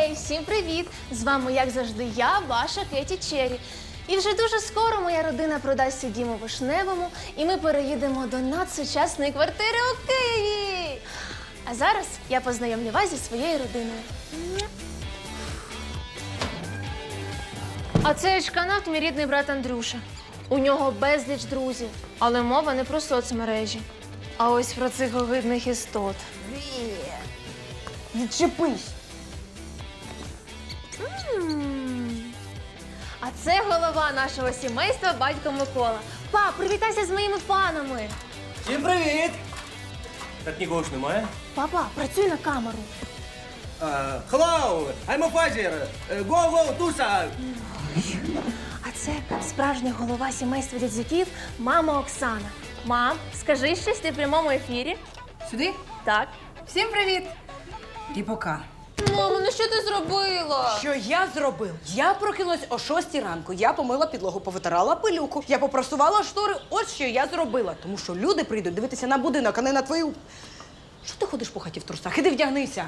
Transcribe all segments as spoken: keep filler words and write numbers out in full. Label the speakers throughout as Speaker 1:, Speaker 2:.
Speaker 1: Гей, всім привіт! З вами, як завжди, я, ваша Кеті Черрі. І вже дуже скоро моя родина продасть свій дім у Вишневому, і ми переїдемо до надсучасної квартири у Києві. А зараз я познайомлю вас зі своєю родиною. А це ечканавт, мій рідний брат Андрюша. У нього безліч друзів, але мова не про соцмережі, а ось про цих огидних істот.
Speaker 2: Відчепись!
Speaker 1: А це голова нашого сімейства, батько Микола. Пап, привітайся з моїми фанами.
Speaker 3: Всім привіт! Так нікого ж немає.
Speaker 1: Папа, працюй на камеру.
Speaker 3: Uh, hello, I'm a father. Uh, go, go, Туса.
Speaker 1: А це справжня голова сімейства дядзюків, мама Оксана. Мам, скажи щось, ти в прямому ефірі.
Speaker 2: Сюди?
Speaker 1: Так.
Speaker 2: Всім привіт! І пока.
Speaker 1: Мамо, ну що ти зробила?
Speaker 2: Що я зробив? Я прокинулась о шостій ранку. Я помила підлогу, повитирала пилюку. Я попросувала штори. Ось що я зробила. Тому що люди прийдуть дивитися на будинок, а не на твою... Що ти ходиш по хаті в трусах? Іди вдягнися.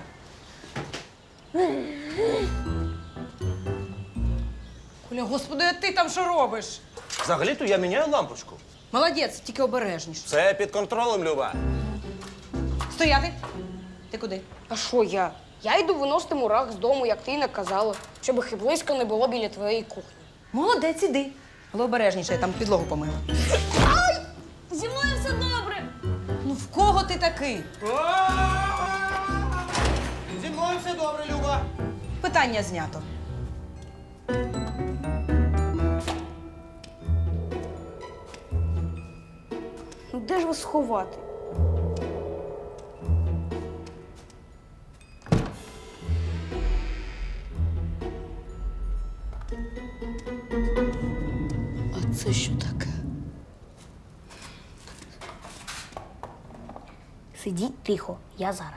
Speaker 2: Коля, господи, а ти там що робиш?
Speaker 3: Взагалі-то я міняю лампочку.
Speaker 2: Молодець, тільки обережніше.
Speaker 3: Все під контролем, Люба.
Speaker 2: Стояти! Ти куди?
Speaker 4: А що я? Я йду виносити мурах з дому, як ти й наказала, щоб їх і близько не було біля твоєї кухні.
Speaker 2: Молодець, іди. Але обережніше, я там підлогу помила.
Speaker 4: Зі мною все добре.
Speaker 2: Ну в кого ти такий?
Speaker 3: Зі мною все добре, Люба.
Speaker 2: Питання знято.
Speaker 4: Ну де ж вас сховати?
Speaker 2: А це що таке?
Speaker 4: Сидіть тихо, я зараз.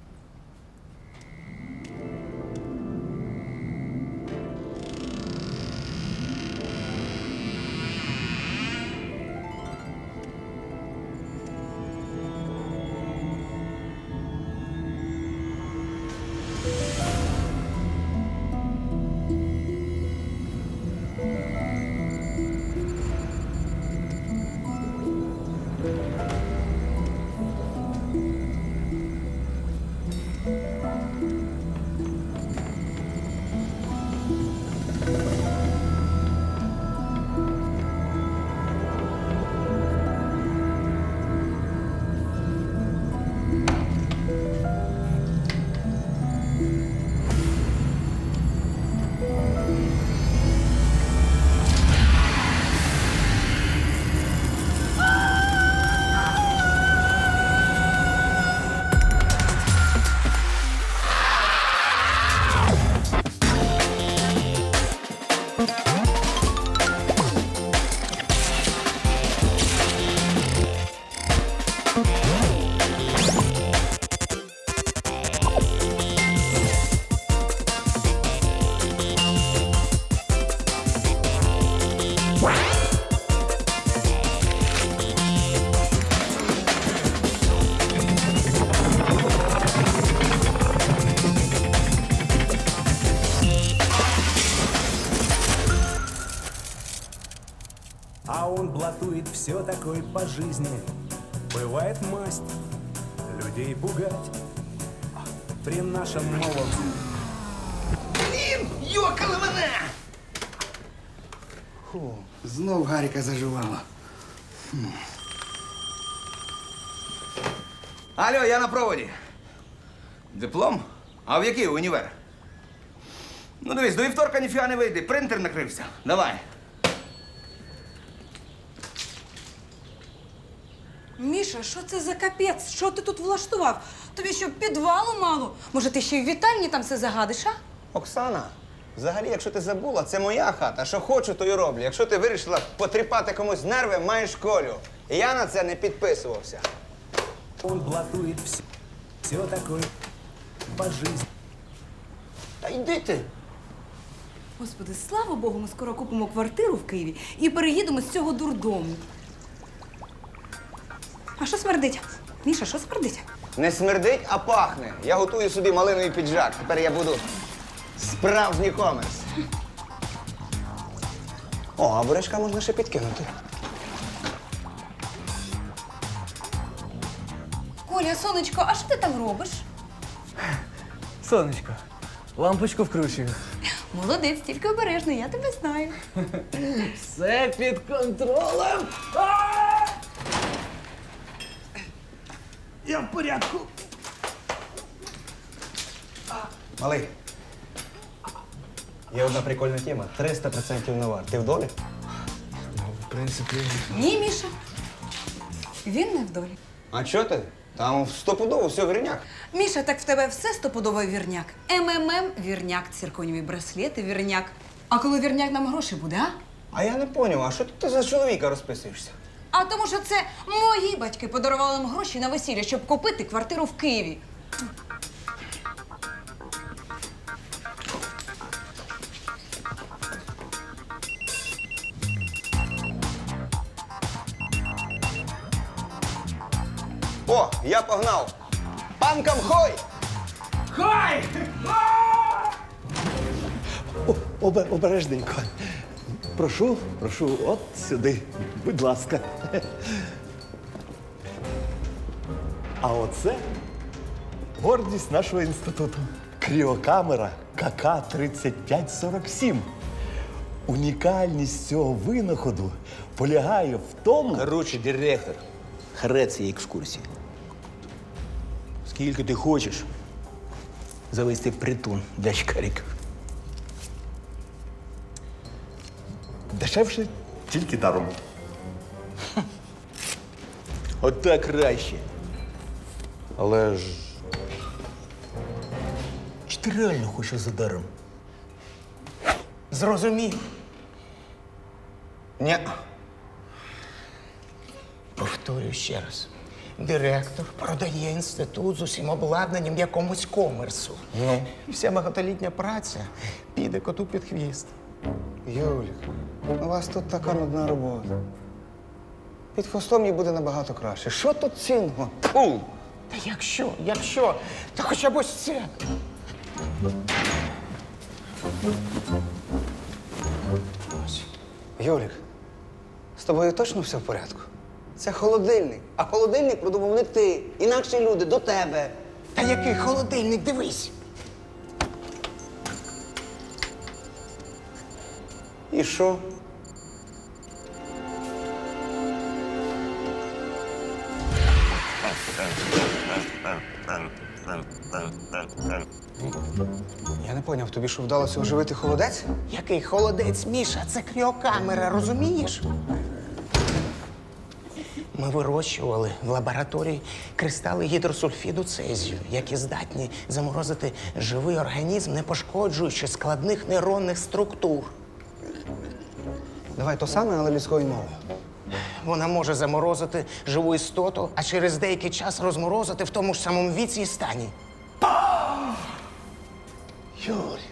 Speaker 5: А он блатует все такой по жизни. Бывает масть людей пугать при нашем новом...
Speaker 6: Блін, йокали мене!
Speaker 7: Фу, знов Гаріка заживала.
Speaker 6: Алло, я на проводі. Диплом? А в який універ? Ну дивись, до вівторка ніфіга не вийде, принтер накрився. Давай.
Speaker 2: Міша, що це за капець? Що ти тут влаштував? Тобі що, підвалу мало? Може, ти ще й в вітальні там все загадиш, а?
Speaker 7: Оксана, взагалі, якщо ти забула, це моя хата. Що хочу, то й роблю. Якщо ти вирішила потріпати комусь нерви, маєш Колю. І я на це не підписувався.
Speaker 5: Он блатует все, все такой по жизни.
Speaker 7: Та йди ти.
Speaker 2: Господи, слава Богу, ми скоро купимо квартиру в Києві і переїдемо з цього дурдому. А що смердить? Міша, що смердить?
Speaker 7: Не смердить, а пахне. Я готую собі малиновий піджак. Тепер я буду Справжній комерс. О, а бурячка можна ще підкинути.
Speaker 2: Коля, сонечко, а що ти там робиш?
Speaker 3: Сонечко, лампочку вкручую.
Speaker 2: Молодець, тільки обережно, я тебе знаю.
Speaker 3: Все під контролем. Я в порядку.
Speaker 7: Малий. Є одна прикольна тема. триста відсотків навар. Ти в долі?
Speaker 3: В принципі.
Speaker 2: Ні, Міша. Він не в долі.
Speaker 7: А чого ти? Там стопудово все в гринях.
Speaker 2: Міша, так в тебе все стопудовий вірняк. МММ – вірняк, цирконіві браслети – вірняк. А коли вірняк нам гроші буде, а?
Speaker 7: А я не поняв, а що ти за чоловіка розписуєшся?
Speaker 2: А тому що це мої батьки подарували нам гроші на весілля, щоб купити квартиру в Києві.
Speaker 7: О, я погнав! Панкам хой!
Speaker 3: Хай!
Speaker 8: Обе- Обережненько. Прошу, прошу, от сюди, будь ласка. А оце гордість нашого інституту. Кріокамера ка ка тридцять п'ять сорок сім. Унікальність цього винаходу полягає в тому.
Speaker 9: Коротше, директор, хрець цієї екскурсії. Скільки ти хочеш завести в притон для шкариків?
Speaker 8: Дешевше тільки даром.
Speaker 9: От так краще.
Speaker 8: Але ж
Speaker 9: Чи ти реально хочеш за даром?
Speaker 7: Зрозумів. Ні.
Speaker 10: Повторюю ще раз. Директор продає інститут з усім обладнанням якомусь комерсу.
Speaker 7: Ну?
Speaker 10: Вся багатолітня праця піде коту під хвіст.
Speaker 7: Юлік, у вас тут така нудна робота. Під хвостом їй буде набагато краще. Що тут цінного? Фу!
Speaker 10: Та якщо, якщо, то хоча б ось це.
Speaker 7: Юлік, з тобою точно все в порядку? Це холодильник, а холодильник придумав не ти. Інакші люди до тебе.
Speaker 10: Та який холодильник, дивись.
Speaker 7: І що? Я не поняв, тобі що вдалося оживити холодець?
Speaker 10: Який холодець, Міша, це кріокамера, розумієш? Ми вирощували в лабораторії кристали гідросульфіду цезію, які здатні заморозити живий організм, не пошкоджуючи складних нейронних структур.
Speaker 7: Давай то саме, але людською мовою.
Speaker 10: Вона може заморозити живу істоту, а через деякий час розморозити в тому ж самому віці і стані.
Speaker 7: Юрій,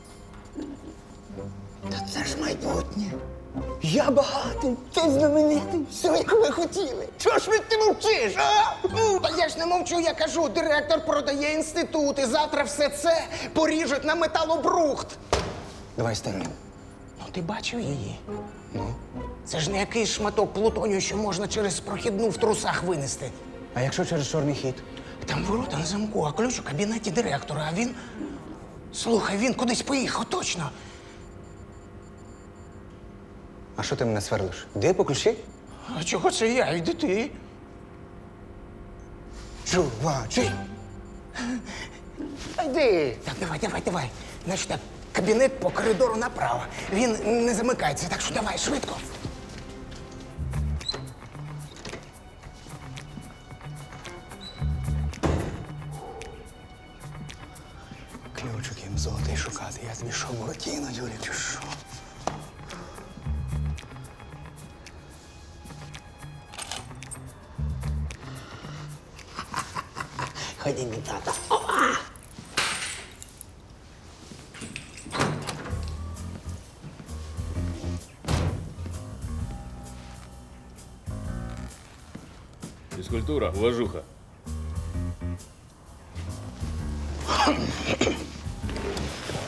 Speaker 7: та це ж майбутнє. Я багатий, ти знаменитий, все, як ви хотіли. Чого ж ви ти мовчиш, а?
Speaker 10: Ну, та я ж не мовчу, я кажу, директор продає інститут, і завтра все це поріжуть на металобрухт.
Speaker 7: Давай старий.
Speaker 10: Ну, ти бачив її? Ну? Це ж не якийсь шматок плутонію, що можна через прохідну в трусах винести.
Speaker 7: А якщо через чорний хід?
Speaker 10: Там ворота на замку, а ключ у кабінеті директора, а він... Слухай, він кудись поїхав, точно.
Speaker 7: А що ти мене сверлиш? Де по ключі?
Speaker 10: А чого це я? Йди ти.
Speaker 7: Чуваче.
Speaker 10: Та йди. Так, давай, давай, давай. Значить так, кабінет по коридору направо. Він не замикається, так що давай, швидко.
Speaker 7: Ключик їм золотий шукати. Я тобі що, Буратіно, Юрій, чи що?
Speaker 10: Ході, мій тата.
Speaker 11: Физкультура, уважуха.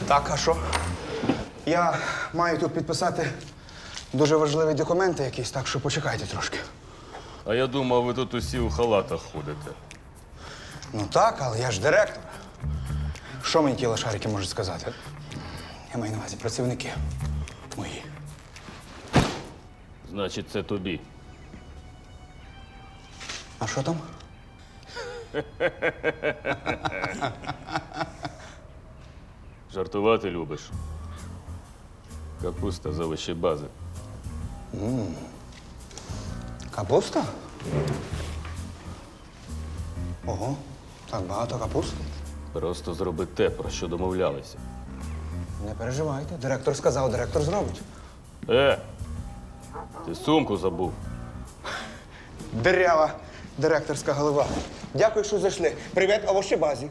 Speaker 7: Так, а що? Я маю тут підписати дуже важливі документи якісь, так що почекайте трошки.
Speaker 11: А я думав, ви тут усі у халатах ходите.
Speaker 7: Ну так, але я ж директор. Що мені ті лошарики можуть сказати? Я маю на увазі працівники мої.
Speaker 11: Значить, це тобі.
Speaker 7: А що там?
Speaker 11: Жартувати любиш. Капуста з овочі бази.
Speaker 7: Капуста? Ого, так багато капусти.
Speaker 11: Просто зроби те, про що домовлялися.
Speaker 7: Не переживайте. Директор сказав, директор зробить.
Speaker 11: Е! Ти сумку забув.
Speaker 7: Дирява директорська голова. Дякую, що зайшли. Привіт, овощебазі.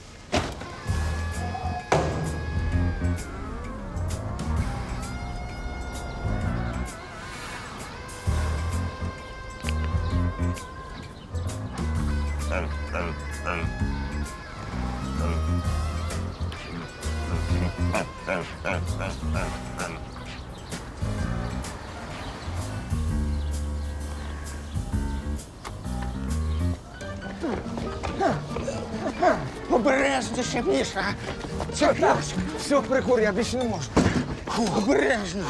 Speaker 10: Обережніше, Міша. Це Мішка.
Speaker 7: Все, прикур, я більше не можу.
Speaker 10: Обережно.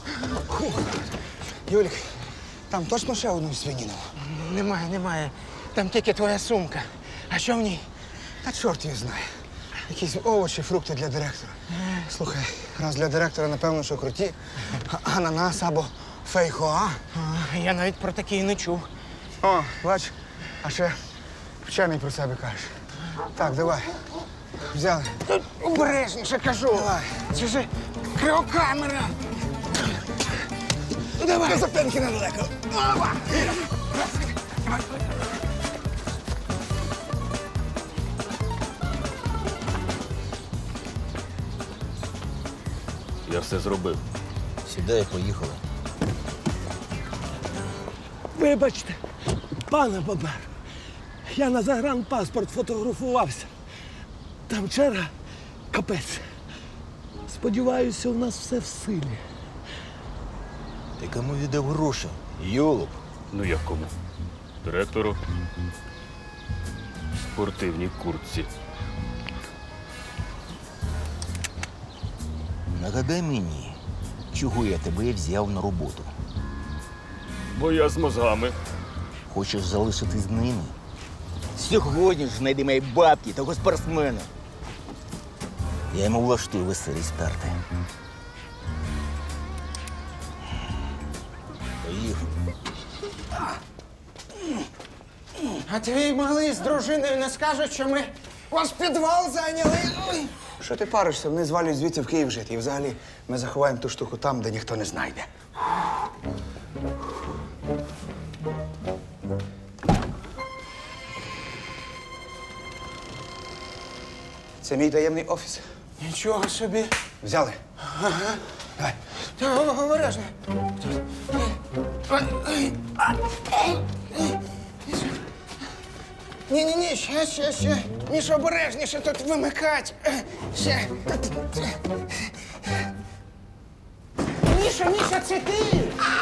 Speaker 7: Юлік, там точно ще одну свинину?
Speaker 10: Немає, немає. Там тільки твоя сумка. А що в ній?
Speaker 7: Та чорт її знає. Якісь овочі, фрукти для директора. Слухай, раз для директора, напевно, що круті. А- Ананас або фейхоа.
Speaker 10: А, я навіть про такі і не чув.
Speaker 7: О, бач, а ще вчений про себе кажеш. Так, давай. Взяли.
Speaker 10: Обережніше, кажу.
Speaker 7: Давай.
Speaker 10: Це ж криокамера. Давай.
Speaker 7: До запинки недалеко.
Speaker 11: Я все зробив.
Speaker 9: Сідай, поїхали.
Speaker 12: Вибачте, пане Бобер, я на загранпаспорт фотографувався. Там черга капець. Сподіваюся, у нас все в силі.
Speaker 9: Ти кому віддав гроші? Йолоп.
Speaker 11: Ну як кому? Директору. В спортивній куртці.
Speaker 9: Нагадай мені, чого я тебе взяв на роботу.
Speaker 11: Бо я з мозгами.
Speaker 9: Хочеш залишитись з ними? Сьогодні ж знайди мої бабки того спортсмена. Я йому влаштую веселі старти. Поїхали.
Speaker 10: А твій малий з дружиною не скажуть, що ми ваш підвал зайняли. Ой.
Speaker 7: Що ти паришся? Вони звалюють звідси в Київ жити. І взагалі ми заховаємо ту штуку там, де ніхто не знайде. Це мій таємний офіс.
Speaker 10: Нічого собі.
Speaker 7: Взяли.
Speaker 10: Ага.
Speaker 7: Давай.
Speaker 10: Та обережно. Ні-ні-ні, ще, ще, ще. Міша, обережніше тут вимикать. Ще. Міша, Міша, це ти!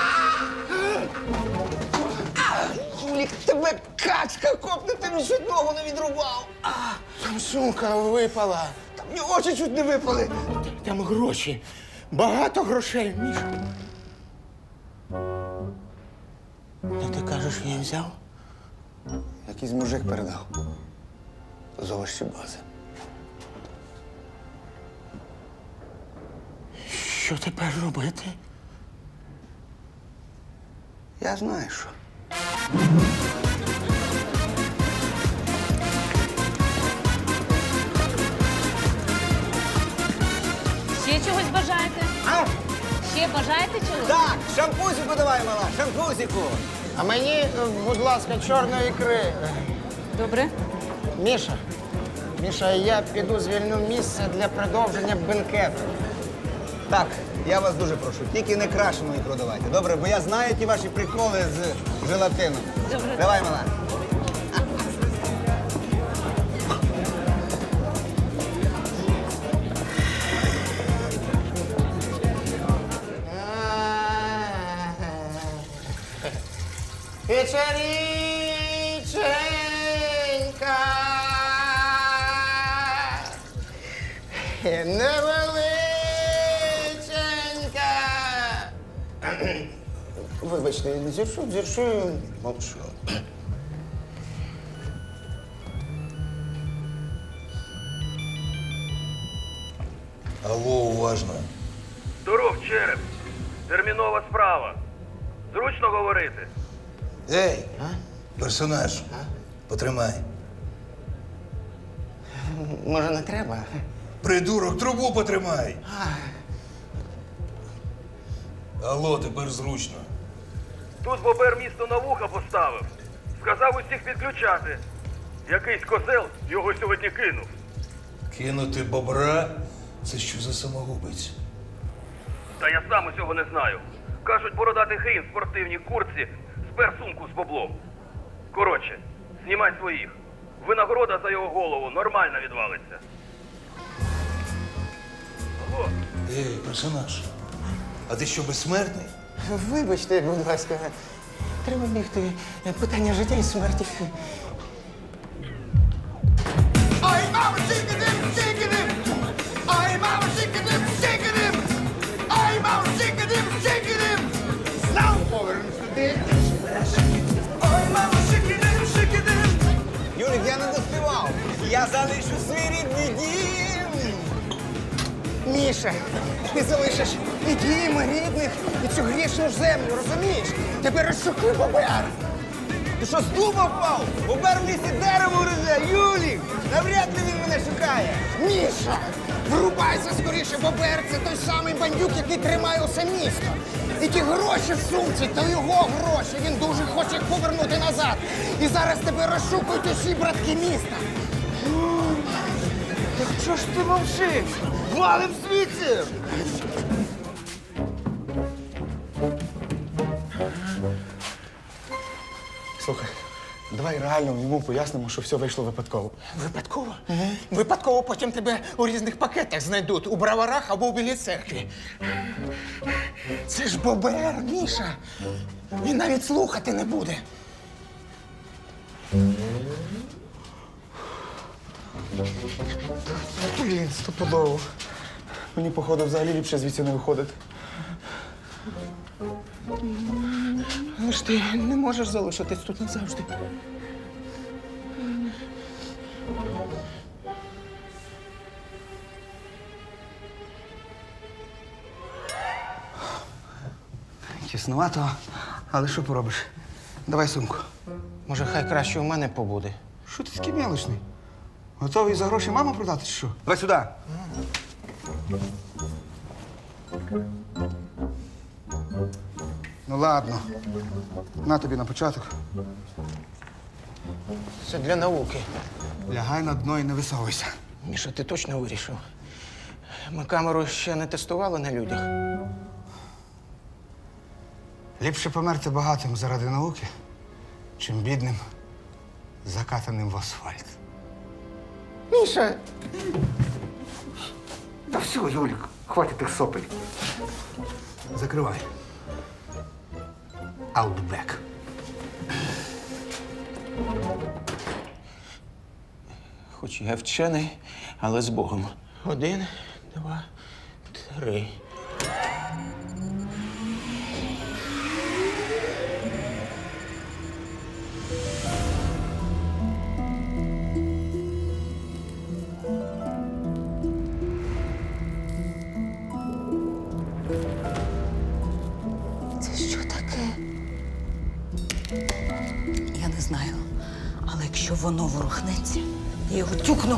Speaker 7: Жулік, тебе качка копне, ти мені чуть ногу не відрубав.
Speaker 10: Там сумка випала.
Speaker 7: Там мені очі чуть не випали.
Speaker 10: Там гроші. Багато грошей, Міша. Та ти кажеш, я взяв?
Speaker 7: Якийсь мужик передав. З овощебази.
Speaker 10: Що тепер робити?
Speaker 7: Я знаю, що.
Speaker 13: Ще чогось бажаєте?
Speaker 7: А?
Speaker 13: Ще бажаєте чогось?
Speaker 7: Так, шампусику давай, мала, шампусику.
Speaker 10: А мені, е, будь ласка, чорної ікри.
Speaker 13: Добре.
Speaker 10: Міша, Міша, я піду звільню місце для продовження бенкету.
Speaker 7: Так, я вас дуже прошу, тільки не крашену ікру давайте. Добре, бо я знаю ті ваші приколи з желатином.
Speaker 13: Добре.
Speaker 7: Давай, мала.
Speaker 10: Печеріченька, невеличенька. Вибачте, зіршу, зіршу, мовчу.
Speaker 14: Алло, уважно.
Speaker 15: Здоров, череп. Термінова справа. Зручно говорити.
Speaker 14: Ей, персонаж, потримай.
Speaker 10: Може, не треба?
Speaker 14: Придурок, трубу потримай. Алло, тепер зручно.
Speaker 15: Тут бобер місто на вуха поставив. Сказав усіх підключати. Якийсь козел його сьогодні кинув.
Speaker 14: Кинути бобра? Це що за самогубець?
Speaker 15: Та я сам усього не знаю. Кажуть, бородатий хрін в спортивній куртці спер сумку з баблом. Коротше, знімай своїх. Винагорода за його голову нормально відвалиться. Алло.
Speaker 14: Ей, персонаж, а ти що, безсмертний?
Speaker 10: Вибачте, будь ласка, треба бігти. Питання життя і смерті.
Speaker 16: Ай, мама, сикадим, сикадим! Ай, мама, сикадим, сикадим! Ай, мама, сикадим, сикадим! Знову повернусь туди. Ай, мама, сикадим, сикадим!
Speaker 7: Юлік, я не доспівав. Я залишу свій рідний дім.
Speaker 10: Міша, ти залишиш і дім, і рідних, і цю грішну землю, розумієш? Тепер розшукуй бобер.
Speaker 7: Ти що, з дуба впав? Бобер в лісі дерево гризе, Юлік! Навряд ли він мене шукає.
Speaker 10: Міша, врубайся скоріше, бобер. Це той самий бандюк, який тримає усе місто. І ті гроші в сумці, то його гроші. Він дуже хоче їх повернути назад. І зараз тебе розшукують усі братки міста.
Speaker 7: Так що ж ти мовчиш? Валим звідси!
Speaker 17: Слухай, давай реально йому пояснимо, що все вийшло випадково.
Speaker 10: Випадково? Випадково потім тебе у різних пакетах знайдуть. У браварах або у Білій церкві. Це ж бобер, Міша. Він навіть слухати не буде.
Speaker 17: Блін, стопудово. Мені, походу, взагалі ліпше звідси не виходити.
Speaker 10: Але ж ти не можеш залишитись тут назавжди.
Speaker 7: Тіснувато, але що поробиш? Давай сумку.
Speaker 10: Може, хай краще у мене побуде.
Speaker 7: Що ти такий мелочний? Готовий за гроші маму продати чи що? Давай сюди. Ну ладно. На тобі на початок.
Speaker 10: Це для науки.
Speaker 7: Лягай на дно і не висовуйся.
Speaker 10: Міша, ти точно вирішив? Ми камеру ще не тестували на людях.
Speaker 7: Ліпше померти багатим заради науки, чим бідним, закатаним в асфальт.
Speaker 10: Міша!
Speaker 7: Та все, Юлік, хватить тих сопель. Закривай. Outback.
Speaker 10: Хоч я вчений, але з Богом. Один, два, три.
Speaker 18: Це що таке? Я не знаю. Але якщо воно ворухнеться, я його тюкну.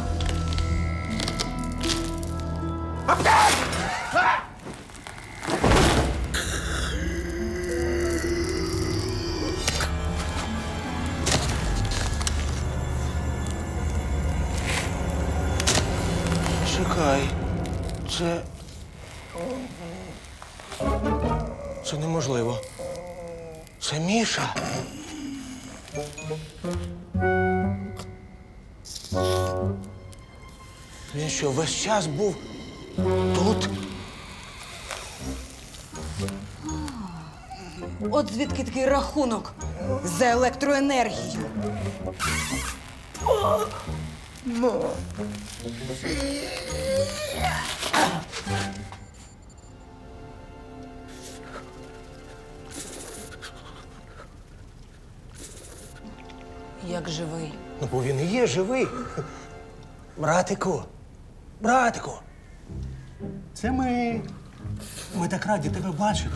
Speaker 10: Чекай. Це. Це неможливо. Це Міша. Він що, весь час був тут?
Speaker 18: От звідки такий рахунок.
Speaker 2: За електроенергію. Як живий.
Speaker 14: Ну, бо він і є живий. Братику, братику. Це ми. Ми так раді тебе бачити.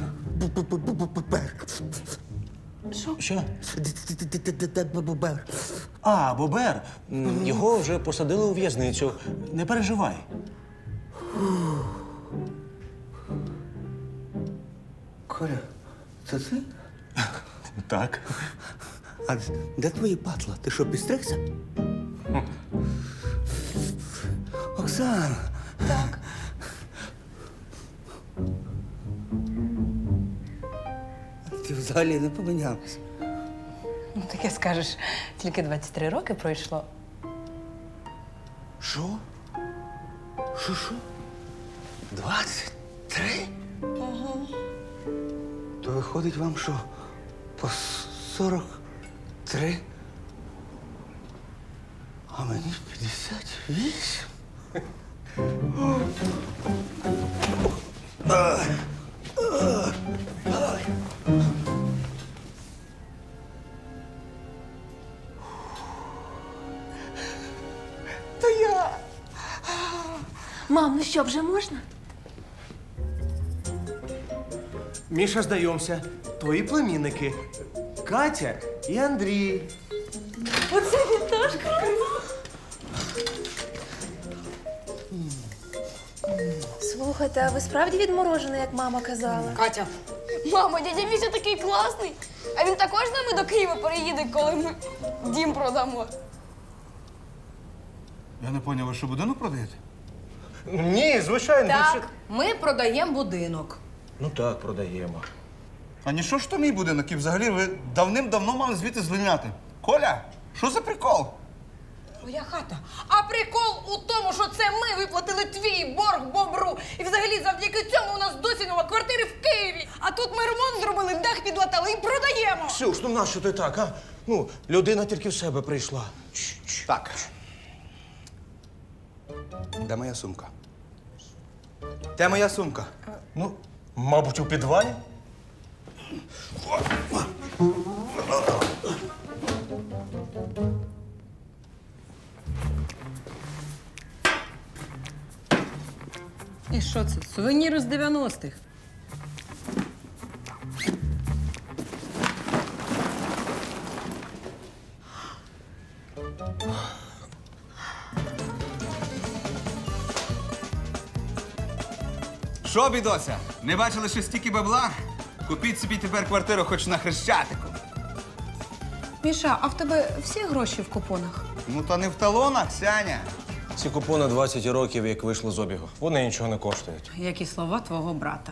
Speaker 2: Що?
Speaker 14: Що? Бобер. А, Бобер. М, Його вже посадили у в'язницю. Не переживай.
Speaker 6: Коля, це ти?
Speaker 14: Так.
Speaker 6: А де твої патла? Ти що, підстригся? Оксана.
Speaker 1: Так.
Speaker 6: Ти взагалі не помінялася.
Speaker 2: Ну, таке скажеш, тільки двадцять три роки пройшло.
Speaker 6: Що? Що, що? Двадцять три?
Speaker 2: Угу.
Speaker 6: То виходить вам, що по сорок три, а мені п'ятдесят вісім.
Speaker 1: То я. Мам, ну що, вже можна?
Speaker 17: Міша, знайомся. Твої племінники. Катя і Андрій.
Speaker 1: Оце він теж круто. Слухайте, а ви справді відморожена, як мама казала?
Speaker 4: Катя. Мамо, дядя Міша такий класний. А він також з нами до Києва переїде, коли ми дім продамо.
Speaker 14: Я не поняв, ви що будинок продаєте? Ні, звичайно.
Speaker 2: Так, ми продаємо будинок.
Speaker 14: Ну так, продаємо. А ні, що ж то мій будинок? І взагалі ви давним-давно мали звідти звільняти. Коля, що за прикол?
Speaker 2: Твоя хата. А прикол у тому, що це ми виплатили твій борг бобру. І взагалі завдяки цьому у нас досі нова квартира в Києві. А тут ми ремонт зробили, дах підлатали і продаємо.
Speaker 14: Ксюш, ну нащо ти так, а? Ну, людина тільки в себе прийшла.
Speaker 6: Так. Де моя сумка? Де моя сумка?
Speaker 14: Ну, мабуть, у підвалі.
Speaker 2: І що це? Сувенір з дев'яностих.
Speaker 6: Що, бідося? Не бачили, що стільки бабла? Купіть собі тепер квартиру хоч на Хрещатику.
Speaker 2: Міша, а в тебе всі гроші в купонах?
Speaker 6: Ну, то не в талонах, Сяня.
Speaker 14: Ці купони двадцять років, як вийшли з обігу. Вони нічого не коштують.
Speaker 2: Як і слова твого брата.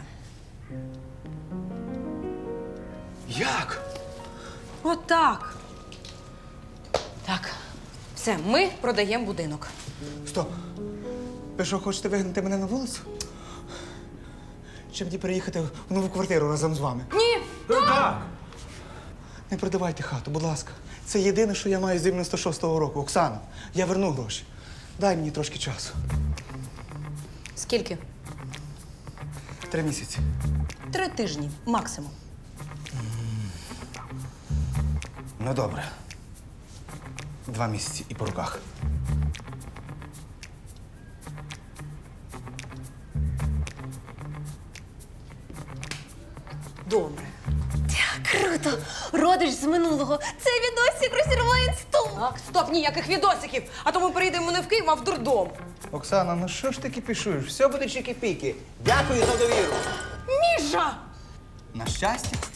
Speaker 14: Як?
Speaker 2: Отак. Так, все, ми продаємо будинок.
Speaker 7: Стоп. Ви що, хочете вигнати мене на вулицю? Чи мені переїхати в нову квартиру разом з вами?
Speaker 2: Ні!
Speaker 7: Так! Не продавайте хату, будь ласка. Це єдине, що я маю з дев'яносто шостого року. Оксана, я верну гроші. Дай мені трошки часу.
Speaker 2: Скільки?
Speaker 7: Три місяці.
Speaker 2: Три тижні, максимум.
Speaker 7: Ну, добре. Два місяці і по руках.
Speaker 2: Добре.
Speaker 1: Круто! Родич з минулого. Це відосик розірвав інсту.
Speaker 2: Так, стоп, ніяких відосиків. А то ми перейдемо не в Київ, а в дурдом.
Speaker 7: Оксана, ну що ж ти кипішуєш? Все буде чики-піки. Дякую за довіру.
Speaker 2: Міша!
Speaker 6: На щастя,